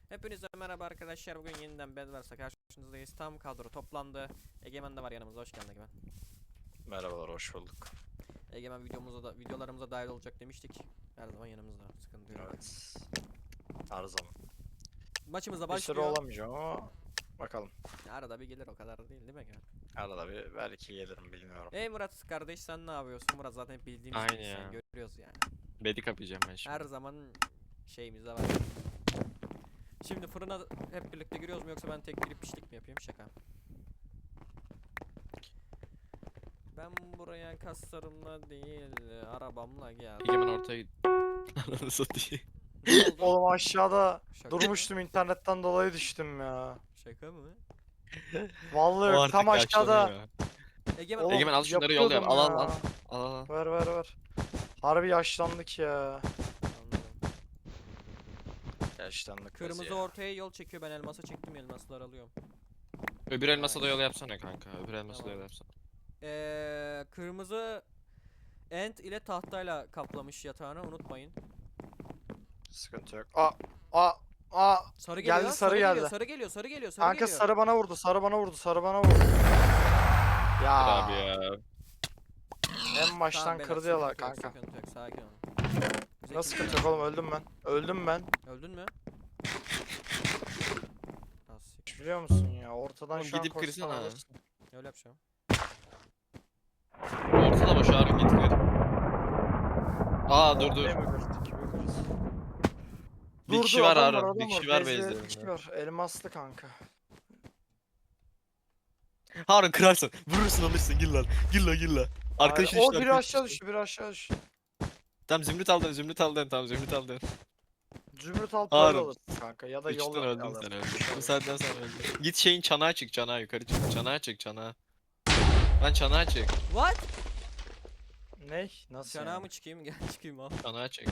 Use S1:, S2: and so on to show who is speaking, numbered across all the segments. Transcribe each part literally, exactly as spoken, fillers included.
S1: Hepinize merhaba arkadaşlar. Bugün yeniden Bedwars'a karşınızdayız. Tam kadro toplandı. Egemen de var yanımızda. Hoş geldin Egemen.
S2: Merhabalar, hoş bulduk.
S1: Egemen videomuza da videolarımıza dahil olacak demiştik. Her zaman yanımızda. Sıkıntı yok.
S2: Evet. Her zaman.
S1: Maçımıza
S2: Bir süre
S1: başlıyor.
S2: olamayacağım ama bakalım.
S1: Arada bir gelir, o kadar da değil değil mi Egemen?
S2: Arada bir belki gelirim, bilmiyorum.
S1: Ey Murat kardeş, sen ne yapıyorsun? Murat zaten hep bildiğimiz
S3: Aynı
S1: gibi, sen
S3: ya.
S1: görüyoruz yani.
S3: Bedi kapayacağım ben şimdi.
S1: Her zaman şeyimizde var. Şimdi fırına hep birlikte giriyoruz mu, yoksa ben tek girip pişlik mi yapayım? Şaka. Ben buraya kaslarımla değil, arabamla geldim.
S3: Egemen ortaya git. Ananı satayım.
S1: Ne oldu?
S2: Oğlum aşağıda
S1: Şaka mı?
S2: durmuştum, internetten dolayı düştüm ya.
S1: Şaka mı?
S2: Vallahi
S3: O
S2: yok,
S3: artık
S2: tam aşağıda.
S3: yaşlanıyor.
S1: Egemen,
S2: Oğlum,
S3: Egemen al şunları yol yap.
S2: yapıyordum
S3: Al al
S2: ya.
S3: al. Al al. al.
S2: Ver ver ver. Harbi yaşlandık ya.
S1: anladım.
S2: Yaşlandık biz
S1: Kırmızı
S2: ya.
S1: ortaya yol çekiyor, ben elmasa çektim, elmasları alıyorum.
S3: Öbür elmasa da
S1: Nice.
S3: yol yapsana kanka. Öbür elmasa da
S1: Tamam.
S3: yol yapsana.
S1: Ee, kırmızı ent ile tahtayla kaplamış yatağını, unutmayın.
S2: Sıkıntı yok. Aa, aa, aa.
S1: Sarı
S2: Geldi,
S1: geliyor,
S2: sarı
S1: geliyor,
S2: geldi.
S1: sarı geliyor, sarı geliyor, sarı
S2: Kanka
S1: geliyor.
S2: sarı bana vurdu, sarı bana vurdu, sarı bana vurdu. Ya.
S3: Abi ya.
S2: En baştan
S1: Tamam beyler,
S2: kırdı yalan
S1: sıkıntı yok,
S2: kanka.
S1: sıkıntı yok, sakin olun. Bize
S2: Nasıl
S1: kim-
S2: sıkıntı yok oğlum, öldüm ben. Öldüm ben.
S1: Öldün mü? Nasıl?
S2: Biliyor musun ya, ortadan
S3: Oğlum
S2: şu an
S3: gidip
S2: koşsan
S3: kırsana.
S2: alırsın.
S1: Öyle yapacağım.
S3: Ortada boş Harun git kır. Aa dur dur.
S2: Ortaya mı kırdık, kime kırız?
S3: Bir
S2: Dur,
S3: kişi
S2: dur,
S3: var
S2: adam var,
S3: Harun. Bir
S2: adam
S3: kişi
S2: var.
S3: var
S2: Bezde
S3: base'lerinde.
S2: bir kişi var. Elmaslı kanka.
S3: Harun kırarsın. Vurursun alırsın. Gir lan. Gir lan gir lan. Arkadaşın
S2: Hayır, o
S3: işte
S2: biri
S3: arkadaşın
S2: aşağı
S3: işte.
S2: düştü, biri aşağı düştü.
S3: Tamam zümrüt aldın zümrüt aldın. Tamam zümrüt aldın.
S2: Zümrüt alıp
S3: Harun.
S2: böyle alırsın kanka, ya da yol
S3: İçten öldün
S2: alır.
S3: sen öldün. Bu saatten sonra öldün. Git şeyin çanağa çık çanağa yukarı çık. Çanağa çık çanağa. Lan çanağa çık.
S1: What?
S2: Ne? Nasıl
S1: Çanağa
S2: yani?
S1: mı çıkayım? Gel çıkayım al.
S3: Çanağa çık.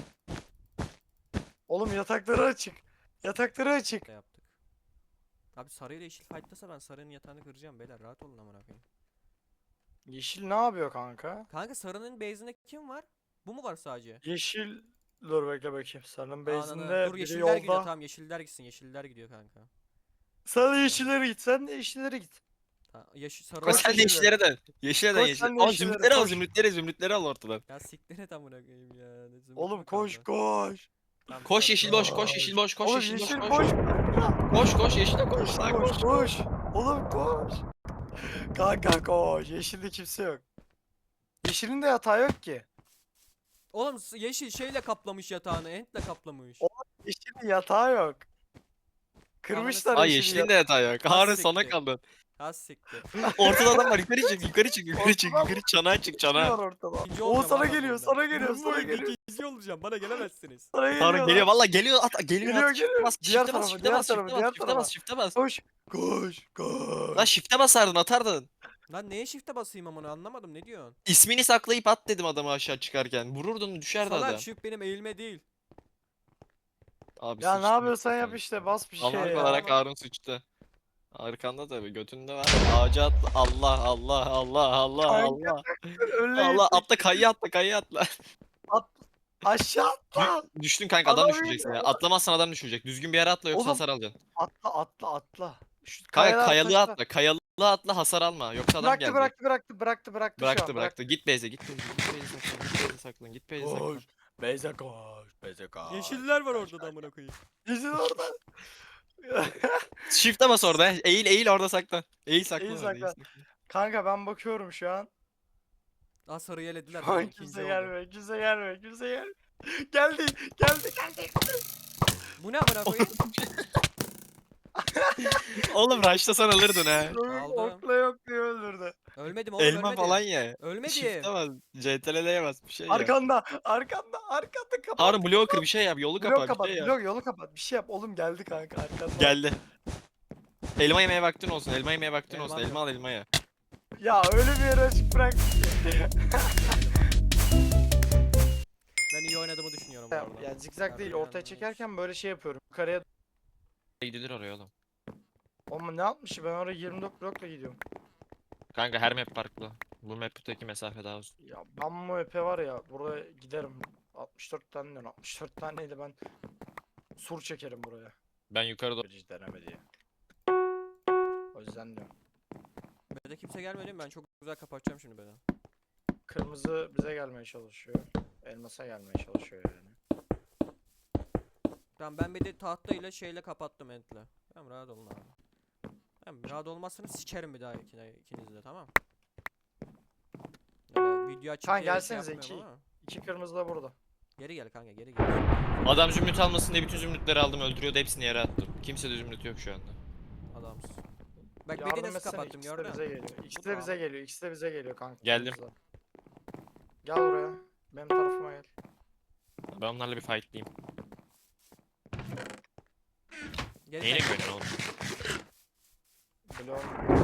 S2: Oğlum yatakları açık. Yatakları açık.
S1: Ne yaptık? Abi sarı ile yeşil fight'tasa ben sarının yatağını kıracağım beyler, rahat olun amına koyayım.
S2: Yeşil ne yapıyor kanka?
S1: Kanka sarının base'inde kim var? Bu mu var sadece?
S2: Yeşil... Dur bekle bakayım. Sarının
S1: Ananı.
S2: base'inde
S1: Dur
S2: biri
S1: yeşiller gidiyor,
S2: yolda.
S1: tamam yeşiller gitsin, yeşiller gidiyor kanka.
S2: Sen de yeşillere git. Sen de yeşillere git.
S1: Ta yeşil sarı
S3: Koş
S2: Koş
S3: sen de
S2: yeşillere.
S3: yeşillere dön. Yeşile dön
S2: Koş
S3: yeşile.
S2: sen de
S3: Ama
S2: yeşillere,
S3: zümrütleri al
S2: koş.
S3: zümrütleri zümrütleri al ortadan.
S1: Ya siktir et amına koyayım ya. Ne zümrüt
S2: Oğlum
S1: mü
S2: koş
S1: kaldı?
S2: koş.
S1: Tamam,
S3: Koş
S1: sarı.
S3: yeşil boş koş yeşil boş koş
S2: Oğlum
S3: yeşil boş
S2: yeşil
S3: koş.
S2: boş.
S3: Koş koş yeşile koş.
S2: Yeşil
S3: Lan
S2: koş,
S3: koş.
S2: koş. Oğlum koş. Kanka koş. Yeşilde kimse yok. Yeşilin de yatağı yok ki.
S1: Oğlum s- yeşil şeyle kaplamış yatağını, entle kaplamış.
S2: O- Yeşilin yatağı yok. Kırmışlar
S3: Ay
S2: yeşili
S3: yeşilin de yatağı yok. Harun
S1: siktir.
S3: sona kaldın.
S1: Az siktir.
S3: Ortada adam var yukarı çık yukarı çık yukarı çık
S2: Ortada
S3: yukarı çanağa çık
S2: yatağı.
S3: çanağa.
S2: var ortada.
S1: İkinci
S2: O
S1: olacağım
S2: sana
S1: abi
S2: geliyor,
S1: bunda.
S2: sana geliyor,
S1: Ben bu
S2: sana
S1: oyunda
S2: geliyor.
S1: ikinci olacağım, bana gelemezsiniz.
S2: Sana geliyor.
S3: Harun
S2: lan.
S3: geliyor valla geliyor at geliyor
S2: Geliyor,
S3: at shift'e
S2: geliyor.
S3: bas
S2: Diğer
S3: shift'e bas
S2: tarafa,
S3: shift'e
S2: diğer
S3: bas
S2: tarafa,
S3: shift'e
S2: diğer
S3: bas shift'e
S2: tarafa.
S3: bas shift'e bas.
S2: Koş. Koş. Koş.
S3: Lan shift'e basardın atardın.
S1: Lan neye shift'e basayım amına, anlamadım, ne diyorsun?
S3: İsmini saklayıp at dedim adamı aşağı çıkarken. Vururdun düşerdi
S1: Salak,
S3: adam.
S1: shift benim eğilme değil.
S3: Abi
S2: Ya ne
S3: sıçtın
S2: yapıyorsan yap
S3: sen.
S2: işte, bas bir
S3: Anlık
S2: şey ya.
S3: olarak Harun sıçtı. Arkanda tabi götünde var. Ağaca atla. Allah Allah Allah Allah
S2: Kanka,
S3: Allah.
S2: Öyle
S3: Allah
S2: gittik.
S3: atla kayı atla kayı atla.
S2: At. Aşağı atla.
S3: Düştün kanka adam
S2: Adam
S3: düşüreceksin ya.
S2: indi.
S3: Atlamazsan adam düşecek. Düzgün bir yere atla yoksa
S2: Oğlum,
S3: hasar alacaksın.
S2: Atla atla atla. Şu
S3: Kanka
S2: kayalar
S3: kayalığa
S2: taşlar.
S3: atla. Kayalığa atla hasar alma. Yoksa adam
S2: Bıraktı
S3: gelecek.
S2: bıraktı bıraktı bıraktı bıraktı şu
S3: Bıraktı
S2: an
S3: bıraktı. Git base'e git base'e git base'e saklan. Git base'e saklan. Git base'e saklan.
S2: Koş. Beyze koş. Beyze koş.
S1: Yeşiller var
S2: Koş,
S1: orada da
S2: koş.
S1: amına koyayım.
S2: Yeşil orada.
S3: Shift'e bas orada. Eğil eğil orada saklan. Eğil saklan
S2: İyi
S3: orada. eğil
S2: saklan.
S3: saklan.
S2: Kanka ben bakıyorum şu an.
S1: Aa sarı yelediler,
S2: Şu
S1: tamam,
S2: an
S1: ikinci
S2: kimse
S1: oldu.
S2: gelmiyor. Kimse gelmiyor. Kimse gelmiyor. Geldi. Geldi. Geldi.
S1: Bu ne amına koyayım?
S3: Oğlum rush'tasan alırdın ha.
S1: Aldım.
S2: Okla yok diye öldürdü.
S1: Ölmedim oğlum,
S3: Elma
S1: ölmedim.
S3: falan ye.
S1: Ölmedim.
S3: Shift'e bas. C T R'ye bas bir şey yap.
S2: Arkanda. Arkanda. Arkanda kapat.
S3: Harun bloğu kır bir şey yap. Yolu
S2: Blok
S3: kapa
S2: kapat.
S3: bir şey yap.
S2: Blok yolu kapat. Bir şey yap. Oğlum geldi kanka arkanda.
S3: Geldi. Elma yemeye vaktin olsun. Elma yemeye vaktin
S1: Elmam
S3: olsun.
S1: yok.
S3: Elma al elma ye.
S2: Ya öyle bir yere açık bırak.
S1: Ben iyi oynadığımı düşünüyorum bu
S2: ya,
S1: arada.
S2: ya zigzag değil. Ortaya çekerken böyle şey yapıyorum. Yukarıya.
S3: Gidilir oraya oğlum.
S2: Oğlum ne yapmış? Ben oraya yirmi dört blokla gidiyorum.
S3: Kanka her map farklı. Bu map'teki mesafe daha uzun.
S2: Ya ben bu epe var ya. Buraya giderim. altmış dört tane diyorum. altmış dört taneyle ben sur çekerim buraya.
S3: Ben yukarıda
S2: Hiç denemedi ya. O yüzden diyorum.
S1: B'de kimse gelmedi mi? Ben çok güzel kapatacağım şimdi B'den.
S2: Kırmızı bize gelmeye çalışıyor. Elmasa gelmeye çalışıyor yani.
S1: Tamam ben B'de tahta ile şeyle kapattım entle. Tamam rahat olun abi. Tamam rahat olmazsanız sikerim bir daha ikine, ikiniz de tamam. Öyle video açıp
S2: Kanka
S1: diye şey
S2: gelsenize,
S1: yapmıyorum
S2: iki-
S1: ama.
S2: İki kırmızı da burada.
S1: Geri gel kanka geri gel.
S3: adam zümrüt almasın diye bütün zümrütleri aldım, öldürüyordu, hepsini yere attım. Kimse de zümrüt yok şu anda.
S1: Adamsın. Bak
S2: Yardım
S1: B'de nasıl
S2: etsene,
S1: kapattım
S2: ikisi de
S1: gördün
S2: bize
S1: mü?
S2: geliyor. İkisi
S1: Bu
S2: de bize
S1: tamam.
S2: geliyor. İkisi de bize geliyor kanka.
S3: Geldim.
S2: kırmızılar. Gel buraya. Benim tarafıma gel.
S3: Ben onlarla bir fightlayayım.
S1: Geri
S3: Neyine
S1: kaç.
S3: güveniyorsun oğlum?
S2: Bloğum.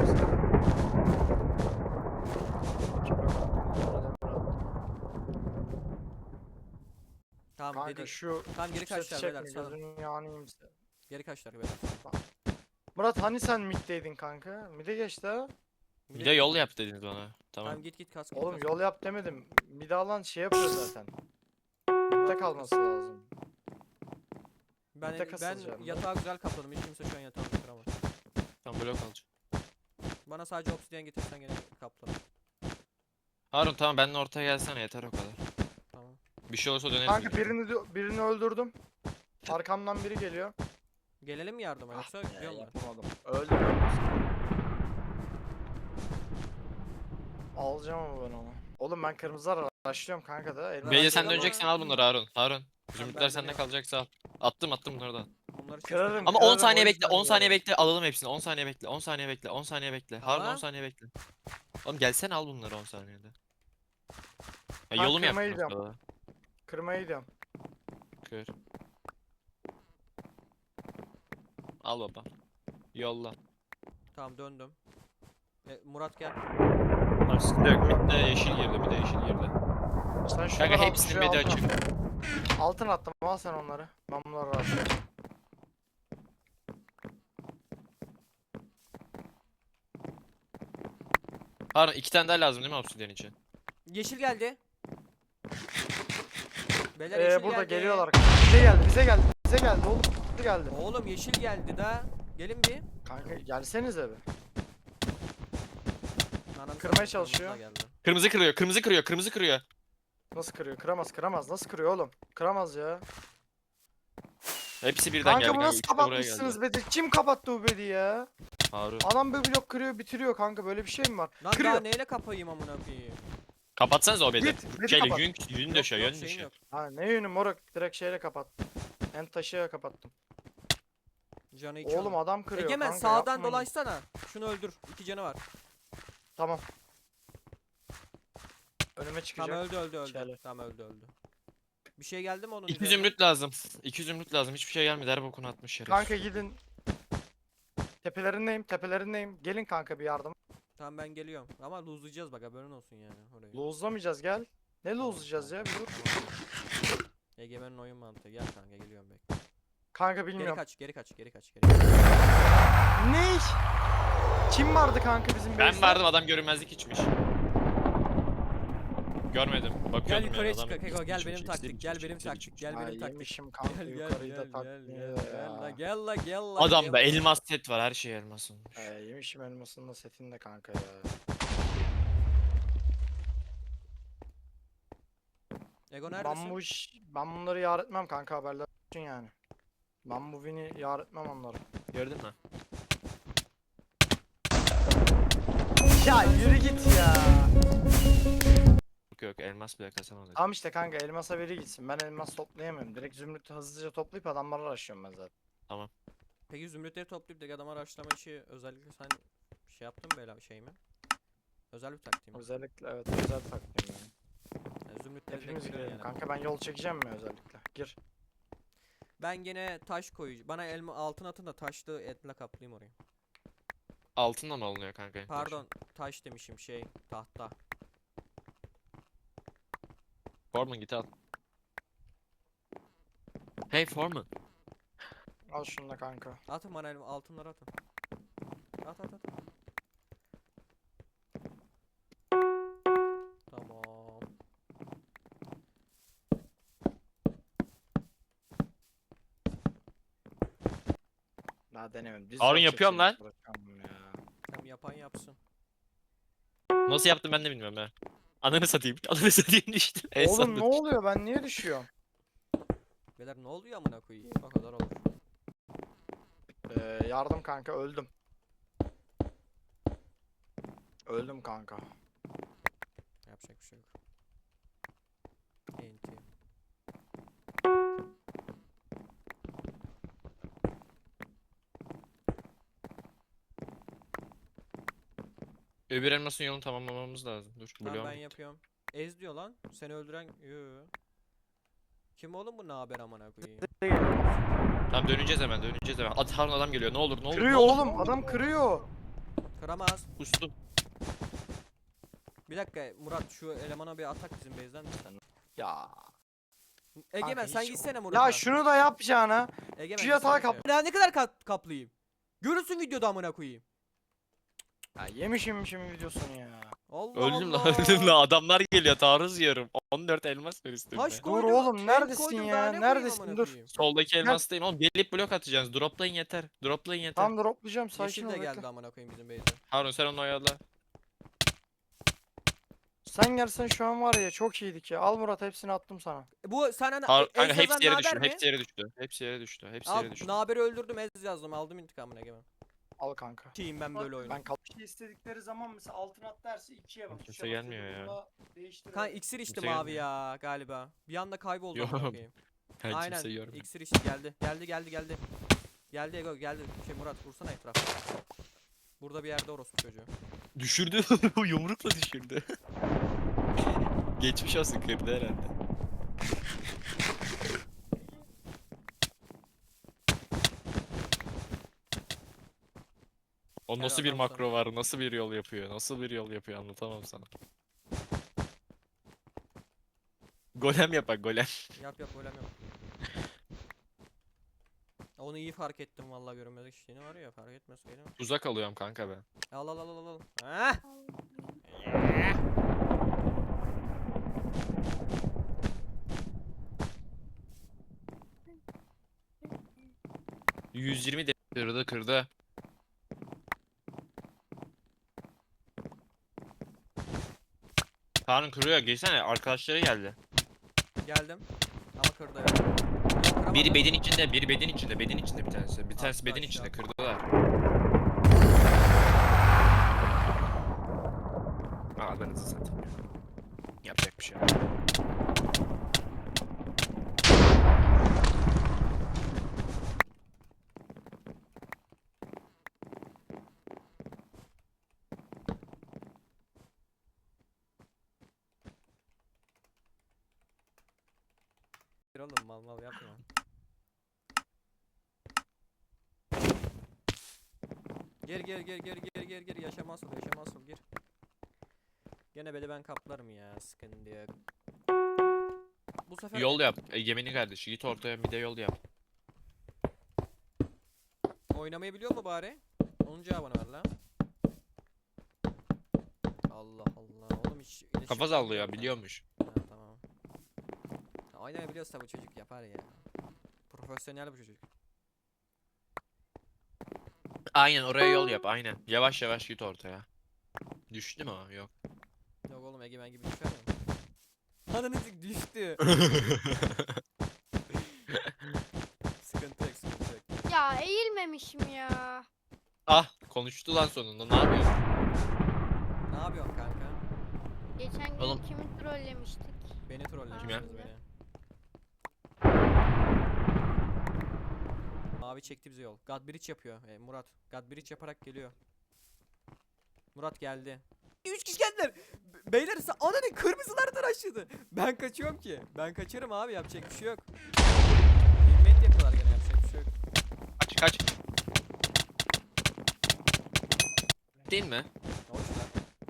S1: Tamam
S2: Kanka
S1: dedi.
S2: şu
S1: Tamam geri
S2: seti
S1: kaçlar
S2: çekme,
S1: beyler salın.
S2: gözünün yağını yiyeyim size.
S1: Geri kaçlar beyler.
S2: Murat hani sen middeydin kanka? Mid'e geçti ha.
S3: Bir de yol yap dediniz bana. Tamam.
S1: Tamam git git kas git.
S2: Oğlum
S1: kas.
S2: yol yap demedim. Mid'e alan şey yapıyor zaten. Mid'de kalması lazım.
S1: Ben
S2: bir tek
S1: ben
S2: asılacağım ben.
S1: yatağı güzel kapladım. Hiç kimse şu an yatağımı kıramaz.
S3: Tamam, blok alacağım.
S1: Bana sadece obsidiyen getirsen gene kaplarım.
S3: Harun tamam, benimle ortaya gelsene, yeter o kadar.
S1: Tamam.
S3: Bir şey olursa döneriz.
S2: Kanka
S3: biz.
S2: birini de- birini öldürdüm. Arkamdan biri geliyor.
S1: Gelelim mi yardıma yoksa
S2: Ah,
S1: gidiyor mu?
S2: yapamadım. Öldüm. Alacağım ama ben onu. Oğlum ben kırmızılar araştırıyorum kanka da. elmas
S3: Bence
S1: Ben
S3: sen
S1: de-
S3: döneceksen al bunları Harun. Harun.
S1: ben
S3: Zümrütler sende
S1: dönüyorum.
S3: kalacaksa al. Attım attım bunları da al.
S1: Bunları çift
S2: Kırarım.
S1: yapayım.
S3: Ama on
S2: Kırarım,
S3: saniye
S2: o
S3: bekle,
S2: yüzden
S3: on saniye
S2: diyorum.
S3: bekle, alalım hepsini. on saniye bekle, on saniye bekle, on saniye bekle. Harun on
S1: Tamam.
S3: saniye bekle. Oğlum gelsene al bunları on saniyede. Ya
S2: Ben
S3: yolum
S2: kırmayı
S3: yaptım
S2: gidiyorum.
S3: ortada.
S2: Kırmaya gidiyorum.
S3: Kır. Al baba. Yolla.
S1: Tamam döndüm. E, Murat gel.
S3: Tamam sıkıntı yok. Bir de yeşil girdi, bir de yeşil girdi.
S2: Sen
S3: Kanka
S2: şunları al,
S3: hepsinin
S2: şuraya
S3: bedi
S2: altın
S3: açık.
S2: at. Altın attım, al sen onları. Ben bunları araştırıyorum.
S3: Harun iki tane daha lazım değil mi obsidian için?
S1: Yeşil geldi. Beyler
S2: Ee,
S1: yeşil
S2: burada
S1: geldi.
S2: geliyorlar. Bize geldi, bize geldi, bize geldi oğlum. Bize geldi.
S1: Oğlum yeşil geldi da. Gelin bir.
S2: Kanka gelsenize bir.
S1: Ananı
S2: Kırmaya
S1: satayım, kırmızı
S2: çalışıyor.
S1: da geldi.
S3: Kırmızı kırıyor, kırmızı kırıyor, kırmızı kırıyor.
S2: Nasıl kırıyor? Kıramaz, kıramaz. Nasıl kırıyor oğlum? Kıramaz ya.
S3: Hepsi birden
S2: Kanka
S3: geldi.
S2: bu nasıl
S3: İkisi de buraya
S2: kapatmışsınız
S3: geldi.
S2: bedi? Kim kapattı bu bedi ya?
S3: Harun.
S2: Adam bir blok kırıyor, bitiriyor kanka. Böyle bir şey mi var?
S1: Lan
S2: Kırıyor.
S1: daha neyle kapayım amına koyayım?
S3: Kapatsanız o bedi.
S2: Git, bedi
S3: Şeyle
S2: kapat.
S3: yün, yün
S1: Yok,
S3: döşe,
S1: yok,
S3: yün
S1: şeyim
S3: döşe.
S1: yok.
S2: Ha ne yönü moruk? Direkt şeyle kapattım. En taşıya kapattım.
S1: Canı iki
S2: Oğlum
S1: onun.
S2: adam kırıyor
S1: Egemen
S2: kanka,
S1: sağdan
S2: yapmayın.
S1: dolaşsana. Şunu öldür. İki canı var.
S2: Tamam. Önüme çıkacak.
S1: Tamam öldü öldü öldü.
S2: Şöyle.
S1: Tamam öldü öldü. Bir şey geldi mi onun
S3: İki
S1: üzerine?
S3: zümrüt lazım. İki zümrüt lazım. Hiçbir şey gelmedi. Her bokunu atmış şerefsiz.
S2: Kanka gidin. Tepelerindeyim, tepelerindeyim. Gelin kanka bir yardım.
S1: Tamam ben geliyorum. Ama lose'layacağız bak haberin olsun yani orayı.
S2: Lozlamayacağız gel. Ne lozlayacağız ya? Bir dur.
S1: Tamam. Egemen'in oyun mantığı. Gel kanka geliyorum bekle.
S2: Kanka
S1: Geri
S2: bilmiyorum.
S1: kaç geri kaç geri kaç geri kaç.
S2: Ne? Kim vardı kanka bizim
S3: Ben
S2: base'de?
S3: vardım, adam görünmezlik içmiş. Görmedim. Bakıyordum
S1: Gel
S3: yani,
S1: yukarıya
S3: adam
S1: çık Keko
S3: iksir
S1: gel
S3: içmiş,
S1: benim
S3: iksir
S1: taktik
S3: içmiş,
S1: gel benim
S3: iksir
S1: taktik
S3: içmiş.
S1: gel
S2: Ay
S1: benim taktik.
S2: yemişim kanka
S1: Gel gel
S2: yukarıyı da
S1: gel
S2: tak.
S1: gel
S2: ne
S1: gel gel la
S2: ya.
S1: gel la gel la.
S3: Adamda
S1: gel la.
S3: elmas set var. Her şey elmas olmuş.
S2: Ee, yemişim elmasının da setini de kanka ya.
S1: Ego
S2: Ben
S1: neredesin?
S2: bu iş, ben bunları yar etmem kanka, haberler olsun yani. Ben bu win'i yar etmem onları.
S3: Gördün mü?
S2: Ya yürü git ya.
S3: Yok yok, elmas bile kasamadık.
S2: Tamam işte kanka, elmasa biri gitsin. Ben elmas toplayamıyorum. Direkt zümrütü hızlıca toplayıp adamları araştırıyorum ben zaten.
S1: Peki zümrütleri toplayıp da adam araştırma işi özellikle sen şey yaptın mı böyle şey mi? Özel bir taktiğim.
S2: Özellikle evet, özel taktiğim yani.
S1: Yani zümrütleri de
S2: Hepimiz
S1: görüyorsun
S2: girelim
S1: yani.
S2: kanka, ben yol çekeceğim mi özellikle? Gir.
S1: Ben gene taş koyacağım. Bana elma altın atın da taşlı etle kaplayayım orayı.
S3: Altınla mı alınıyor kanka? en taşı?
S1: Pardon taş demişim şey tahta.
S3: Foreman git al. Hey Foreman.
S2: Al şunu da kanka.
S1: Atın bana elma altınları atın. At at at. Tamam.
S2: Daha denemem. Düz
S3: Harun
S2: yol
S3: yapıyorum
S2: çekeceğim,
S3: lan.
S2: uğraşamam ya.
S1: Hem yapan yapsın.
S3: Nasıl yaptım ben de bilmiyorum ha. Ananı satayım. Ananı satayım düştüm. En
S2: Oğlum
S3: sonunda
S2: ne
S3: düştüm.
S2: oluyor, ben niye düşüyorum?
S1: Beyler ne oluyor amına koyayım? O kadar olur.
S2: Ee, yardım kanka, öldüm. Öldüm kanka.
S1: Yapacak bir şey yok. Enti.
S3: Öbür elmasın yolunu tamamlamamız lazım. Dur.
S1: Tamam
S3: Bloğum
S1: ben
S3: bitti.
S1: yapıyorum. Ez diyor lan. Seni öldüren... Yoo. Kim oğlum bu, ne haber amına koyayım?
S3: Tamam döneceğiz hemen döneceğiz hemen. At Harun adam geliyor. Ne olur ne olur.
S2: Kırıyor
S3: ne olur,
S2: oğlum,
S3: ne olur.
S2: adam kırıyor.
S1: Kıramaz.
S3: Kustum.
S1: Bir dakika Murat, şu elemana bir atak bizim base'den de sen.
S2: Ya.
S1: Egemen
S2: Kanka
S1: sen
S2: hiç-
S1: gitsene Murat'a.
S2: Ya şunu da yapacağına.
S1: Egemen
S2: şu yatağı
S1: gitsene
S2: kap-
S1: şuraya. Ya ne kadar kap kaplayayım? Görürsün videoda amına koyayım.
S2: Ya yemişim şimdi videosunu ya.
S1: Allah
S3: Öldüm lan
S1: Allah.
S3: öldüm lan. Adamlar geliyor. Taarruz yiyorum. on dört elmas var üstümde.
S1: Taş
S2: Dur
S1: koydum,
S2: oğlum,
S1: tek
S2: neredesin
S1: koydum,
S2: ya?
S1: daha ne koyayım
S2: Neredesin?
S1: amına
S2: Dur.
S1: koyayım?
S3: Soldaki elmastayım oğlum. Gelip blok atacaksınız. Droplayın yeter. Droplayın yeter.
S2: Tam droplayacağım, sakin
S1: Yeşil
S2: ol
S1: de
S2: bekle.
S1: geldi amına koyayım bizim base'e.
S3: Harun sen onu oyala.
S2: Sen gelsen şu an var ya, çok iyiydik ya. Al Murat, hepsini attım sana.
S1: Bu sana na-
S3: Harun
S1: e-
S3: kanka
S1: Ez
S3: hepsi
S1: yazan
S3: yere
S1: naber
S3: düştü.
S1: mi?
S3: Hepsi yere düştü. Hepsi yere düştü. Hepsi
S1: Al
S3: yere düştü.
S1: naberi öldürdüm, Ez yazdım, aldım intikamını Egemen.
S2: Al kanka.
S1: Şeyim ben böyle oyunu.
S2: Ben kal. Bir şey istedikleri zaman mesela altın at derse ikiye bak.
S3: Kimse
S2: Tuşa
S3: gelmiyor
S2: basıyorum,
S3: ya.
S2: bunda değiştir.
S1: Kan iksir içti
S3: Kimse
S1: mavi
S3: gelmiyor.
S1: ya galiba. Bir anda kayboldu
S3: Yok.
S1: amına koyayım.
S3: Ben
S1: Aynen.
S3: kimseyi görmüyorum.
S1: İksir içti, geldi. Geldi geldi geldi. Geldi Ego geldi. Şey Murat vursana etrafa. Burada bir yerde orospu çocuğu.
S3: Düşürdü. Yumrukla düşürdü. Geçmiş olsun kırdı herhalde. O
S1: Helal
S3: nasıl bir
S1: olsun.
S3: makro var, nasıl bir yol yapıyor, nasıl bir yol yapıyor anlatamam sana. Golem yapak golem.
S1: Yap yap öyle yap. Onu iyi fark ettim vallahi, görünmedik işte var ya, fark etmeseydim.
S3: Uzak alıyorum kanka ben.
S1: Al al al al al. Heh.
S3: yüz yirmi de kırdı kırdı. Harun kırıyor geçsene arkadaşları geldi.
S1: Geldim. Ama kırdı ya. Yok, kıramadı.
S3: Biri bedin içinde, biri bedin içinde, bedin içinde bir tanesi. Bir tanesi
S1: Attı
S3: bedin
S1: aşağı.
S3: içinde kırdılar. Aa ben hızlı satayım. Yapacak bir şey yok.
S1: Gir oğlum, mal mal yapma. Gir gir gir gir gir gir gir, yaşamaz ol yaşamaz ol, gir. Gene beni ben kaplarım ya, sıkıntı yok. Bu sefer
S3: Yol yap. Egemen'in kardeşi git ortaya bir de yol yap.
S1: oynamayı biliyor mu bari? Onun cevabını ver lan. Allah Allah oğlum, hiç iletişim
S3: Kafa sallıyor
S1: kurmuyor lan.
S3: biliyormuş.
S1: Ha, tamam. Ya, oynayabiliyorsa bu çocuk yapar ya. Profesyonel bu çocuk.
S3: Aynen oraya yol yap aynen. Yavaş yavaş git ortaya. Düştü mü o? Yok.
S1: Yok oğlum, Egemen gibi düşer mi? Ananı sik düştü. Sıkıntı yok sıkıntı yok.
S4: Ya eğilmemişim ya.
S3: Ah konuştu lan sonunda ne yapıyorsun?
S1: Ne yapıyorsun kanka?
S4: Geçen gün
S3: Oğlum.
S4: kimi trollemiştik?
S1: Beni trollemişsiniz
S4: ya?
S1: beni. Mavi çekti bize yol. God Bridge yapıyor. E, Murat. God Bridge yaparak geliyor. Murat geldi. Üç kişi geldiler. B- Beyler sen ananı kırmızılar tıraşladı. Ben kaçıyorum ki. Ben kaçarım abi, yapacak bir şey yok. Himmet yapıyorlar gene, yapacak bir şey yok.
S3: Kaç kaç. Değil mi?
S1: Hoş lan.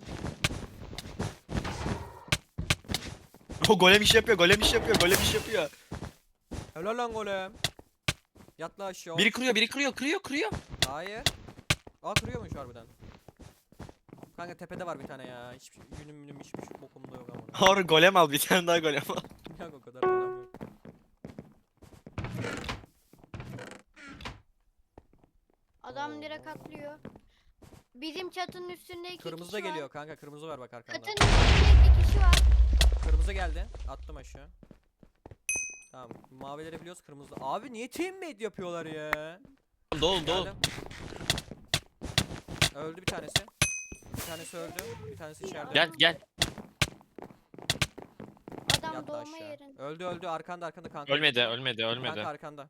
S3: O golem iş yapıyor, golem iş yapıyor, golem iş yapıyor.
S1: Helal lan golem. Yat lan aşağı.
S3: Biri kırıyor, biri kırıyor, kırıyor, kırıyor.
S1: Hayır. Aa, kırıyormuş harbiden. Kanka tepede var bir tane ya. Hiçbir şey, günüm günüm hiçbir şey bokumda yok ama.
S3: Harun golem al, bir tane daha golem al.
S1: Yok o kadar golem yok.
S4: Adam direkt atlıyor. Bizim çatının üstünde iki
S1: Kırmızı da
S4: kişi
S1: geliyor
S4: var.
S1: kanka. Kırmızı var bak arkanda.
S4: Çatının üstünde iki kişi var.
S1: Kırmızı geldi. Attım aşağı. Tamam. Mavileri biliyoruz, kırmızı. Abi niye teammate yapıyorlar ya?
S3: Dol dol.
S1: Geldim. Öldü bir tanesi. Bir tanesi öldü. Bir tanesi içeride.
S3: Gel gel.
S4: Adam
S1: Yattı
S4: doğma
S1: aşağı.
S4: yerinde.
S1: Öldü öldü arkanda arkanda kanka.
S3: Ölmedi ölmedi
S1: Kanka
S3: ölmedi.
S1: arkanda.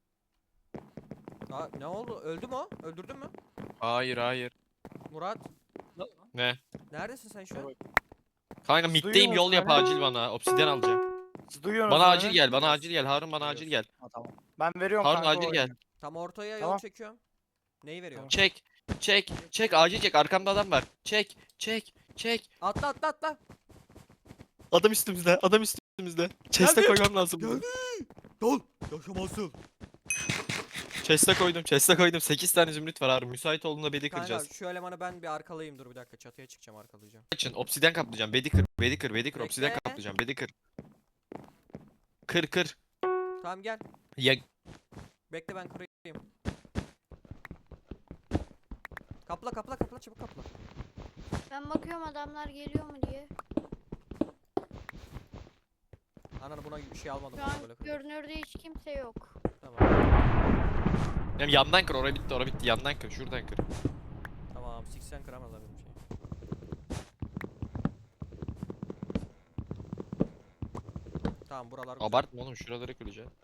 S1: Aa, ne oldu? Öldü mü o? Öldürdün mü?
S3: Hayır hayır.
S1: Murat.
S3: Ne?
S1: Neredesin sen şu an?
S3: Kanka
S2: Duyuyor
S3: middeyim yol
S2: musun
S3: yap
S2: beni?
S3: acil bana. Obsidyen alacağım.
S2: Siz duyuyorsunuz
S3: Bana
S2: beni.
S3: acil gel bana
S1: Duyuyoruz.
S3: acil gel. Harun bana acil gel.
S2: Ha, tamam. Ben veriyorum
S3: Harun
S2: kanka
S3: acil
S2: o
S3: gel.
S2: oyunu.
S1: Tam ortaya yol
S2: Tamam.
S1: çekiyorum. Neyi veriyorsun?
S3: Çek. Çek. Çek acil çek. Arkamda adam var. Çek. Çek. Çek.
S1: Atla atla atla.
S3: Adam üstümüzde. Adam üstümüzde. Chest'e
S1: Geldim.
S3: koymam lazım. bunu.
S1: Geldi. Dol. Yaşamazsın.
S3: Chest'e koydum. Chest'e koydum. sekiz tane zümrüt var Harun. Müsait olduğunda bedi
S1: Kanka
S3: kıracağız.
S1: şu elemanı ben bir arkalayayım, dur bir dakika, çatıya çıkacağım, arkalayacağım.
S3: Için obsidyen kaplayacağım. Bedi kır. Bedi kır. Bedi kır.
S1: Bekle.
S3: Obsidyen kaplayacağım. Bedi kır. Kır kır.
S1: Tamam gel.
S3: Ya
S1: Bekle ben kırayım. Kapla kapla kapla çabuk kapla.
S4: Ben bakıyorum adamlar geliyor mu diye.
S1: Ananı buna bir şey almadım.
S4: Şu
S1: ben
S4: an
S1: böyle kırayım.
S4: görünürde hiç kimse yok.
S1: Tamam.
S3: Ya yandan kır. Oraya bitti. Oraya bitti. Yandan kır. Şuradan kır.
S1: Tamam. seksen kıramazlar benim şeyi. Tamam buralar güzel.
S3: Abartma oğlum. Şuraları kıracaksın.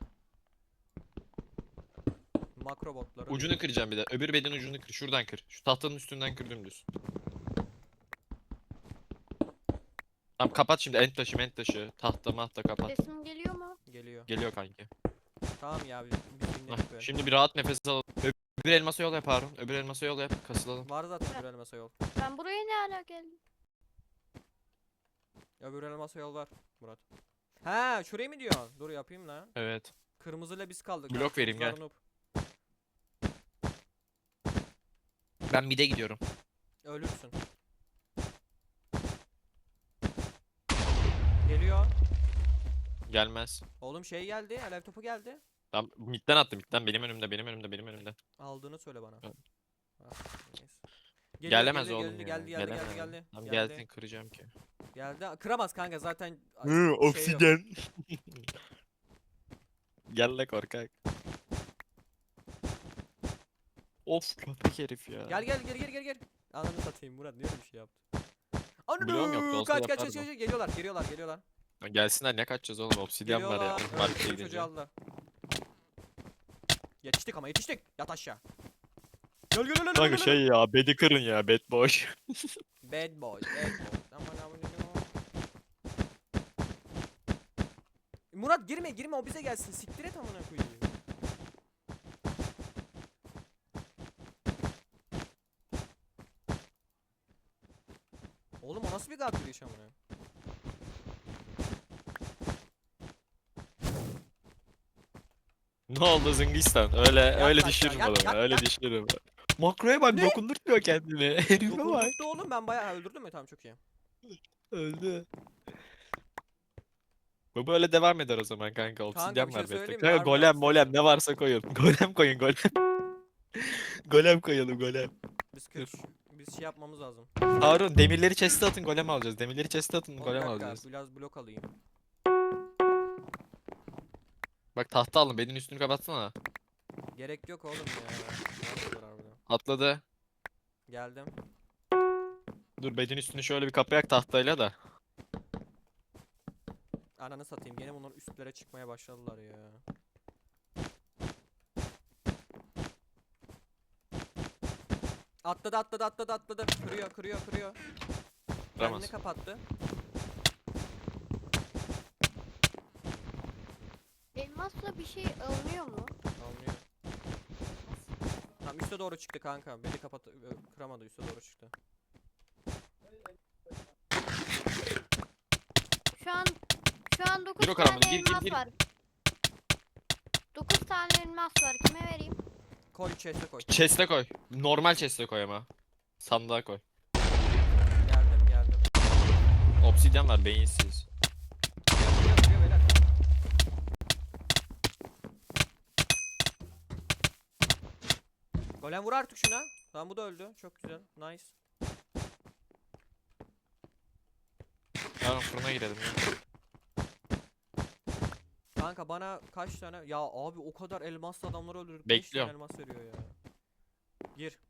S1: Makro botları.
S3: Ucunu kıracağım bir de. Öbür bedin ucunu kır. Şuradan kır. Şu tahtanın üstünden kır dümdüz. Tamam kapat şimdi. End taşı end taşı. Tahta mahta kapat.
S4: Sesim geliyor mu?
S1: Geliyor.
S3: Geliyor kanki.
S1: Tamam ya biz, biz
S3: Hah,
S1: dinledik böyle.
S3: şimdi bir rahat nefes al. Öbür elmasa yol yap Harun. Öbür elmasa yol yap. Kasılalım.
S1: Var zaten öbür elmasa yol.
S4: Ben buraya ne ala geldim?
S1: Öbür elmasa yol var Murat. Ha şurayı mı diyorsun? Dur yapayım lan.
S3: Evet.
S1: Kırmızıyla biz kaldık.
S3: Blok
S1: ha,
S3: vereyim, gel.
S1: kırmızılar noob.
S3: Ben mid'e gidiyorum.
S1: Ölürsün. Geliyor.
S3: Gelmez.
S1: Oğlum şey geldi. Alev topu geldi.
S3: Tamam midden attım midden. Benim önümde benim önümde benim önümde.
S1: Aldığını söyle bana.
S3: Evet.
S1: Ah, neyse. Geliyor,
S3: Gelemez
S1: geliyor,
S3: oğlum
S1: geldi,
S3: ya.
S1: Geldi geldi geldi
S3: Gelemez.
S1: geldi.
S3: Tamam
S1: geldi.
S3: gelsin kıracağım ki.
S1: Geldi. Kıramaz kanka zaten.
S3: Hı,
S1: şey yok.
S3: obsidyen. Gel la korkak. Of köpek herif ya.
S1: Gel gel gel gel gel gel. Ananı satayım Murat, niye öyle bir şey yaptın? Ananı
S3: Bloğum yoktu, olsa
S1: kaç kaç kaç
S3: yapardım.
S1: kaç geliyorlar geliyorlar geliyorlar.
S3: Lan gelsinler ne kaçacağız oğlum obsidyen var ya.
S1: Geliyorlar. Evet,
S3: Markete
S1: bizim çocuğu
S3: gidince.
S1: aldılar. Yetiştik ama yetiştik. Yat aşağı. Gel gel gel gel.
S3: Kanka
S1: gel,
S3: şey ya bedi kırın ya bed boş.
S1: Bad boy, bad boy. Aman aman aman. Murat girme girme, o bize gelsin. Siktir et amına koyayım. Oğlum o nasıl bir god bir iş amına?
S3: Ne oldu Zıngistan? Öyle öyle
S1: aşağı,
S3: düşürürüm
S1: yat,
S3: adamı.
S1: yat,
S3: Öyle
S1: yat.
S3: düşürürüm. Makroya bak
S1: Ne?
S3: dokundurtmuyor kendini. Herife bak.
S1: Dokundurttu oğlum, ben bayağı öldürdüm mü? Tamam çok iyi.
S3: Öldü. Bu böyle devam eder o zaman kanka. Obsidyen
S1: bir şey
S3: var bedde.
S1: söyleyeyim mi?
S3: Kanka
S1: Harbiden
S3: golem
S1: obsidyen
S3: molem
S1: var.
S3: ne varsa koyun. Golem koyun golem. Golem koyalım golem.
S1: Biz kırk, biz şey yapmamız lazım.
S3: Harun demirleri chest'e atın golem alacağız. Demirleri chest'e atın
S1: Oğlum, bir
S3: golem
S1: dakika,
S3: alacağız.
S1: biraz blok alayım.
S3: Bak tahta alın bedin üstünü kapatsana.
S1: Gerek yok oğlum ya. Nerede harbiden?
S3: Atladı.
S1: Geldim.
S3: Dur bedin üstünü şöyle bir kapayak tahtayla da.
S1: Ananı satayım, gene bunlar üstlere çıkmaya başladılar ya. Atladı atladı atladı atladı. Kırıyor kırıyor kırıyor.
S3: Kıramaz.
S1: Kendini kapattı.
S4: Elmasla bir şey alınıyor mu?
S1: Almıyor. Tam üste doğru çıktı kanka. Beni kapat ö, kıramadı, üste doğru çıktı.
S4: Şu an şu an dokuz
S3: Gir o
S4: tane
S3: karamela, gir, gir,
S4: elmas
S3: gir.
S4: var. dokuz tane elmas var. Kime vereyim?
S1: Koy chest'e koy.
S3: Chest'e koy. Normal chest'e koy ama. Sandığa koy.
S1: Geldim geldim.
S3: Obsidyen var beyinsiz.
S1: Kırıyor kırıyor kırıyor beyler. Golem vur artık şuna. Tamam bu da öldü. Çok güzel. Nice.
S3: Yarın fırına girelim ya.
S1: Kanka bana kaç tane? Ya abi o kadar elmaslı adamları öldürdük. beş tane
S3: Bekliyorum.
S1: elmas veriyor ya. Gir.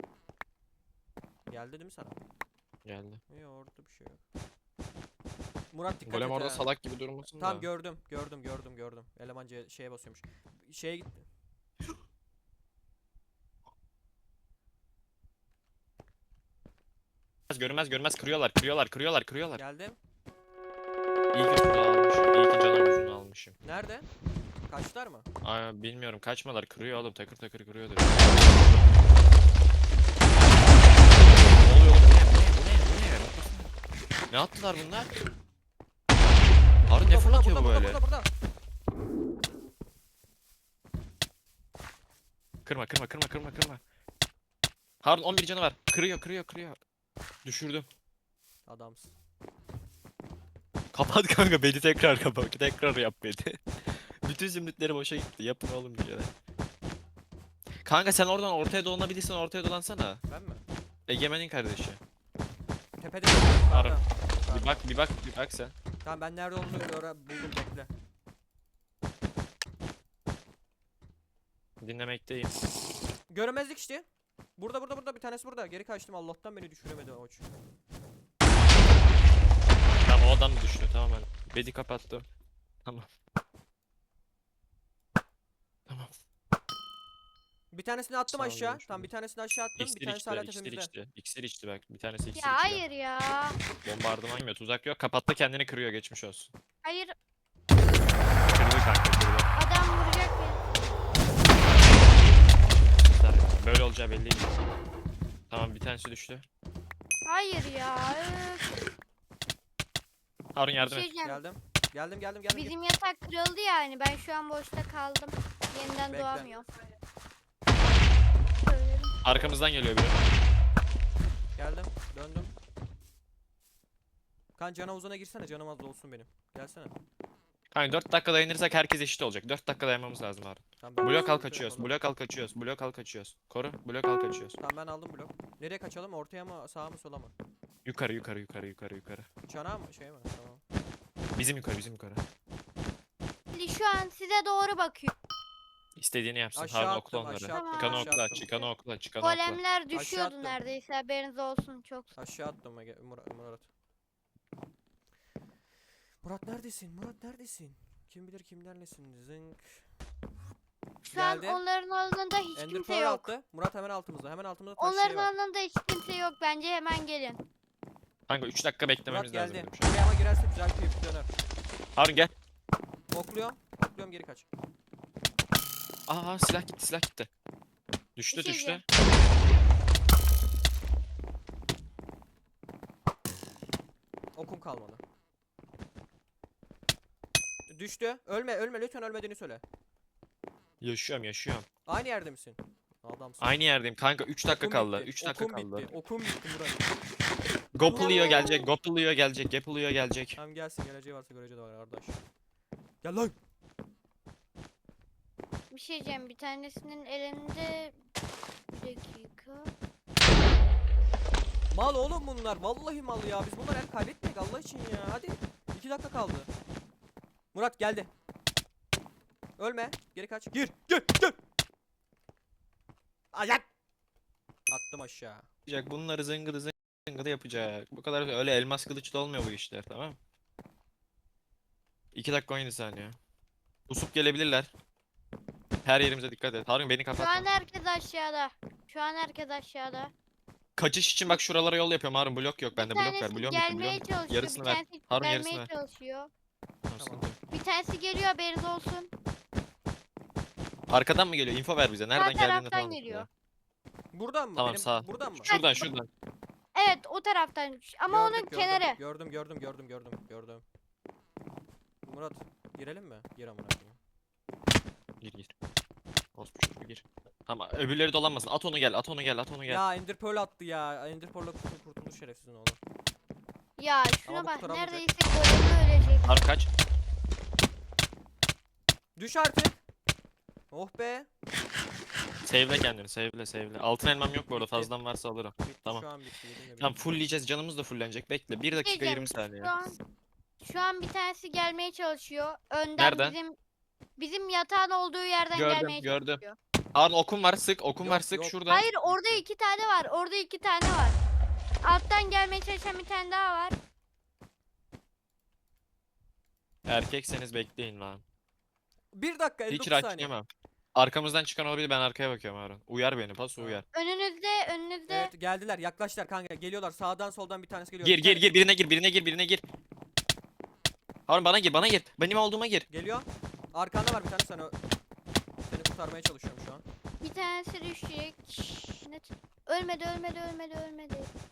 S1: Geldi değil mi sana?
S3: Geldi.
S1: Yok orada bir şey yok. Murat dikkat
S3: Golem
S1: et
S3: orada
S1: ha.
S3: salak gibi durmasın
S1: Tamam
S3: da.
S1: gördüm gördüm gördüm gördüm. Eleman C- şeye basıyormuş. Şeye gitti.
S3: Görünmez görünmez kırıyorlar kırıyorlar kırıyorlar kırıyorlar.
S1: Geldim.
S3: İyi ki tuzağı almışım. İyi ki canavar uzunu almışım.
S1: Nerede? Kaçlar mı?
S3: Aa, bilmiyorum kaçmalar kırıyor oğlum takır takır kırıyordur. Ne oluyor oğlum? Bu ne? Bu ne? Bu ne? Bu ne? Ne attılar bunlar? Harun ne
S1: Burada,
S3: fırlatıyor
S1: burada,
S3: bu
S1: burada,
S3: böyle?
S1: burada, burada.
S3: Kırma kırma kırma kırma kırma. Harun on bir canı var. Kırıyor kırıyor kırıyor. Düşürdüm.
S1: Adamsın.
S3: Kapat kanka beni tekrar kapat. Tekrar yap beni. Bütün zümrütleri boşa gitti. Yapın oğlum bir şeyler. Kanka sen oradan ortaya dolanabilirsen ortaya dolansana.
S1: Ben mi?
S3: Egemen'in kardeşi.
S1: Tepede.
S3: Ara.
S1: Yukarıda.
S3: Bir bak bir bak bir bak sen.
S1: Tamam ben nerede olduğunu öğren buldum bekle.
S3: Dinlemekteyim.
S1: Göremezlik işte. Burada burada burada bir tanesi burada. Geri kaçtım Allah'tan beni düşüremedi oç.
S3: Tamam o adam da düştü tamamen. Bedi kapattım. Tamam. Tamam.
S1: Bir tanesini attım
S3: Sağ ol,
S1: aşağı.
S3: görüşürüz.
S1: Tamam bir tanesini aşağı attım.
S3: İksir
S1: bir tanesi
S3: içti,
S1: hala
S3: iksir
S1: tepemizde.
S3: içti. İksir içti bak. Bir tanesi iksir
S4: Ya
S3: içiyor.
S4: hayır ya.
S3: Bombardıman yemiyor. Tuzak yok. Kapattı kendini kırıyor. Geçmiş olsun.
S4: Hayır
S3: Kırdı kanka kırdı.
S4: adam vuracak beni.
S3: Güzel. Böyle olacağı belliydi. Tamam bir tanesi düştü.
S4: Hayır ya. Öf.
S3: Harun
S4: Bir
S3: yardım
S4: şey
S3: et.
S4: diyeceğim.
S1: Geldim. Geldim geldim geldim.
S4: Bizim yatak kırıldı yani. Ben şu an boşta kaldım. Yeniden
S1: Bekle.
S4: doğamıyorum. Söyledim.
S3: Arkamızdan geliyor biri.
S1: Geldim. Döndüm. Kan can havuzuna girsene canım az da olsun benim. Gelsene.
S3: Kanka dört dakika dayanırsak herkes eşit olacak. dört dakika dayanmamız lazım Harun.
S1: Tamam, ben
S3: Blok al
S1: aldım
S3: kaçıyoruz.
S1: blok.
S3: Blok al kaçıyoruz. Blok al kaçıyoruz. Koru. Blok al kaçıyoruz.
S1: Tamam ben aldım blok. Nereye kaçalım? Ortaya mı sağa mı sola mı?
S3: Yukarı yukarı yukarı yukarı yukarı.
S1: Çanağa mı şey mi? Tamam.
S3: Bizim yukarı bizim yukarı.
S4: Şimdi şu an size doğru bakıyor.
S3: İstediğini yapsın.
S1: Aşağı
S3: Harun
S1: attım,
S3: okla onları.
S1: aşağı
S4: attım,
S3: Çıkanı
S4: aşağı
S3: okla,
S1: attım.
S3: çıkanı okla, çıkanı okla.
S4: Golemler düşüyordu
S1: attım.
S4: neredeyse haberiniz olsun çok.
S1: Aşağı attım Ege- Murat. Murat. Murat neredesin? Murat neredesin? Kim bilir kimlerlesin? Zınk.
S4: Şu
S1: Geldi.
S4: an onların alanında hiç
S1: Ender
S4: kimse
S1: Pearl
S4: yok.
S1: attı. Murat hemen altımızda. Hemen altımızda taş
S4: Onların
S1: şey var.
S4: alanında hiç kimse yok. Bence hemen gelin.
S3: Kanka üç dakika
S1: Murat
S3: beklememiz lazım.
S1: geldi.
S3: dedim şu an.
S1: Buraya ama girerse güzel bir döner.
S3: Harun gel.
S1: Okluyorum. Okluyorum geri kaç.
S3: Aa silah gitti silah gitti. Düştü
S4: Bir şey
S3: düştü.
S4: diyeceğim.
S1: Okum kalmadı. Düştü. Ölme ölme lütfen ölmediğini söyle.
S3: Yaşıyorum yaşıyorum.
S1: Aynı yerde misin? Adamsın.
S3: Aynı yerdeyim kanka üç dakika
S1: Okum
S3: kaldı.
S1: bitti,
S3: üç dakika
S1: okum
S3: kaldı.
S1: Bitti. Okum bitti Murat.
S3: Gopuluyor gelecek, Gopuluyor gelecek, Gepuluyor gelecek.
S1: Tamam gelsin geleceği varsa göreceği de var kardeş. Gel lan.
S4: Bir şey diyeceğim. Bir tanesinin elinde... Bir dakika.
S1: Mal oğlum bunlar. Vallahi mal ya. Biz bunlar el kaybetmedik Allah için ya. Hadi. iki dakika kaldı. Murat geldi. Ölme. Geri kaç. Gir. Gir. Gir. Ayak. Attım aşağı.
S3: Yapacak bunları zıngıdı zıngıdı yapacak. Bu kadar öyle elmas kılıçla olmuyor bu işler tamam. iki dakika on yedi saniye. Usup gelebilirler. Her yerimize dikkat et. Harun beni
S4: Şu an
S3: kapatma.
S4: herkes aşağıda. Şu an herkes aşağıda.
S3: Kaçış için bak şuralara yol yapıyorum Harun blok yok bende
S4: Bir
S3: blok ver
S4: tanesi
S3: blok yok
S4: gelmeye
S3: blok.
S4: çalışıyor.
S3: Yarısını
S4: bir
S3: ver.
S4: tanesi
S3: Harun
S4: gelmeye
S3: yarısını ver.
S4: çalışıyor.
S3: Tamam, sıkıntı yok.
S4: Bir tanesi geliyor haberiniz olsun.
S3: Arkadan mı geliyor? Info ver bize. Nereden geldiğini
S4: taraftan
S3: falan.
S4: geliyor.
S1: Buradan mı?
S3: Tamam,
S1: Benim,
S3: sağ.
S1: Buradan mı?
S3: Şuradan şuradan.
S4: Evet o taraftan. Ama
S1: Gördük,
S4: onun
S1: gördüm,
S4: kenarı.
S1: Gördüm gördüm gördüm gördüm gördüm. Murat girelim mi? Gir amına koyayım.
S3: Gir gir. Orospu çocuğu gir. Tamam öbürleri dolanmasın. At onu gel at onu gel at onu gel.
S1: Ya Ender Pearl attı ya. Ender Pearl'la kurtul kurtulur şerefsizin oğlu.
S4: Ya
S1: Ama
S4: şuna
S1: bu
S4: bak
S1: taramayacak.
S4: neredeyse golemi ölecek.
S3: Harun kaç.
S1: Düş artık. Oh be.
S3: Save'le kendini, save'le, save'le. Altın elmam yok bu arada,
S1: Bitti.
S3: fazladan varsa alırım.
S1: Bitti
S3: Tamam.
S1: şu an bitti. Yedim de
S3: Tamam,
S1: bitti.
S3: fullleyeceğiz, canımız da fullenecek. Bekle, bir dakika
S4: Diyeceğim,
S3: yirmi saniye.
S4: Şu an, şu an bir tanesi gelmeye çalışıyor. Önden
S3: Nereden?
S4: bizim bizim yatağın olduğu yerden
S3: Gördüm,
S4: gelmeye
S3: gördüm.
S4: çalışıyor.
S3: Harun okum var, sık, okum
S1: Yok,
S3: var, sık
S1: yok.
S3: şurada.
S4: Hayır, orada iki tane var. Orada iki tane var. Alttan gelmeye çalışan bir tane daha var.
S3: Erkekseniz bekleyin lan.
S1: Bir dakika elli
S3: Hiç
S1: dokuz saniye.
S3: rahatlayamam. Arkamızdan çıkan olabilir, ben arkaya bakıyorum Harun. Uyar beni, pas
S1: Tamam.
S3: uyar.
S4: Önünüzde, önünüzde.
S1: Evet geldiler yaklaştılar kanka geliyorlar sağdan soldan bir tanesi geliyor.
S3: Gir
S1: Bir
S3: gir
S1: tane-
S3: gir, birine gir, birine gir, birine gir. Harun bana gir, bana gir. Benim olduğuma gir.
S1: Geliyor. Arkanda var bir tane sen o. Seni kurtarmaya çalışıyorum şu an.
S4: Bir tanesi düşecek. Net. Ölmedi, ölmedi, ölmedi, ölmedi.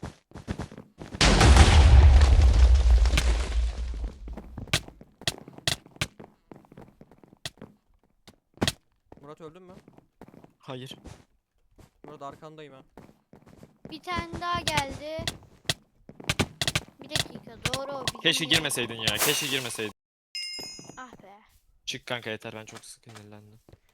S1: Murat öldün mü?
S3: Hayır.
S1: Murat arkandayım ha.
S4: Bir tane daha geldi. Bir dakika, doğru. o bizim
S3: Keşke
S4: yer.
S3: girmeseydin ya, keşke girmeseydin.
S4: Ah be.
S3: Çık kanka, yeter, ben çok sinirlendim.